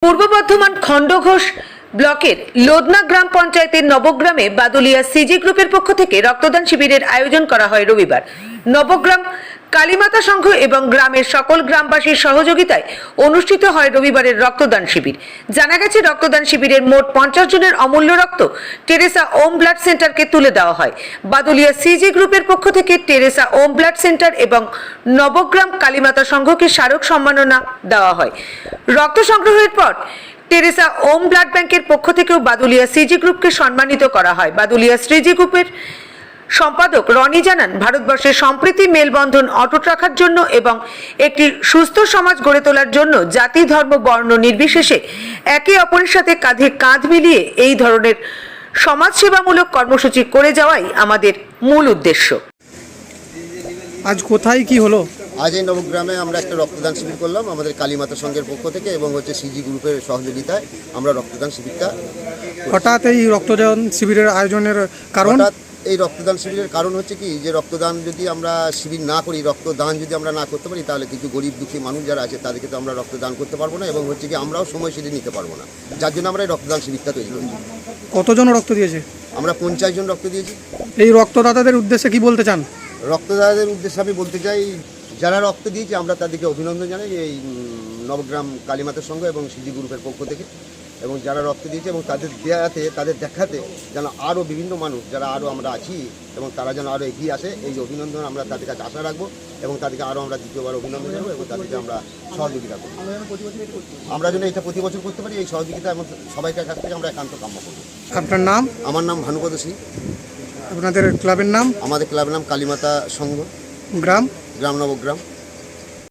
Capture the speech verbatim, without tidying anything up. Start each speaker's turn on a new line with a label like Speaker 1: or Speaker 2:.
Speaker 1: পূর্ব বর্ধমান খণ্ডঘোষ ব্লকের লোদনা গ্রাম পঞ্চায়েতের নবগ্রামে বাদুলিয়া সিজি গ্রুপের পক্ষ থেকে রক্তদান শিবিরের আয়োজন করা হয় রবিবার। নবগ্রাম কালীমাতা সংঘ এবং গ্রামের সকল গ্রামবাসীর সহযোগিতায় অনুষ্ঠিত হয় রবিবারের রক্তদান শিবির। জানা গেছে, রক্তদান শিবিরের মোট পঞ্চাশ জনের অমূল্য রক্ত টেরেসা ওম ব্লাড সেন্টারকে তুলে দেওয়া হয়। বাদুলিয়া সিজি গ্রুপের পক্ষ থেকে টেরেসা ওম ব্লাড সেন্টার এবং নবগ্রাম কালীমাতা সংঘকে স্মারক সম্মাননা দেওয়া হয়। রক্ত সংগ্রহের পর টেরেসা ওম ব্লাড ব্যাংকের পক্ষ থেকেও বাদুলিয়া সিজি গ্রুপকে সম্মানিত করা হয়। বাদুলিয়া সিজি গ্রুপের সম্পাদক রনি জানান, ভারতবর্ষের সম্প্রীতি মেলবন্ধন অটুট রাখার জন্য এবং একটি সুস্থ সমাজ গড়ে তোলার জন্য জাতি, ধর্ম, বর্ণ নির্বিশেষে একে অপরের সাথে কাঁধে কাঁধ মিলিয়ে এই ধরনের সমাজসেবামূলক কর্মসূচি করে যাওয়াই আমাদের মূল উদ্দেশ্য।
Speaker 2: আজ কোথায় কি হলো?
Speaker 3: আজ এই নবগ্রামে আমরা একটা রক্তদান শিবির করলাম আমাদের কালীমাতা সংঘের পক্ষ থেকে এবং হচ্ছে সিজি গ্রুপের সহযোগিতায় আমরা রক্তদান শিবিরটা।
Speaker 2: হঠাৎ এই রক্তদান শিবিরের আয়োজনের কারণ?
Speaker 3: হঠাৎ এই রক্তদান শিবিরের কারণ হচ্ছে কি, যে রক্তদান যদি আমরা শিবির না করি, রক্তদান যদি আমরা না করতে পারি, তাহলে কিছু গরিব দুঃখী মানুষ যারা আছে তাদেরকে তো আমরা রক্তদান করতে পারবো না এবং হচ্ছে কি আমরাও সময়সূচি নিতে পারবো না, যার জন্য আমরা এই রক্তদান শিবিরটা তৈরি করি।
Speaker 2: কতজন রক্ত দিয়েছে?
Speaker 3: আমরা পঞ্চাশ জন রক্ত দিয়েছি।
Speaker 2: এই রক্তদাতাদের উদ্দেশ্যে কি বলতে চান?
Speaker 3: রক্তদাতাদের উদ্দেশ্যে আমি বলতে চাই, যারা রক্ত দিয়েছে আমরা তাদেরকে অভিনন্দন জানাই এই নবগ্রাম কালীমাতা সংঘ এবং সিজি গ্রুপের পক্ষ থেকে, এবং যারা রক্ত দিয়েছে এবং তাদের দেয়াতে তাদের দেখাতে যেন আরও বিভিন্ন মানুষ যারা আরও আমরা আছি এবং তারা যেন আরও এগিয়ে আসে, এই অভিনন্দন আমরা তাদের কাছে আশা রাখবো এবং তাদেরকে আরও আমরা দ্বিতীয়বার অভিনন্দন জানাবো এবং তাদেরকে আমরা সহযোগিতা করবো। আমরা যেন এটা প্রতি বছর করতে পারি, এই সহযোগিতা এবং সবাইকার কাছ থেকে আমরা একান্ত কাম্য করবো।
Speaker 2: আপনার নাম?
Speaker 3: আমার নাম ভানুপদ সিং।
Speaker 2: আপনাদের ক্লাবের নাম?
Speaker 3: আমাদের ক্লাবের নাম কালীমাতা সংঘ,
Speaker 2: গ্রাম?
Speaker 3: গ্রাম নবগ্রাম।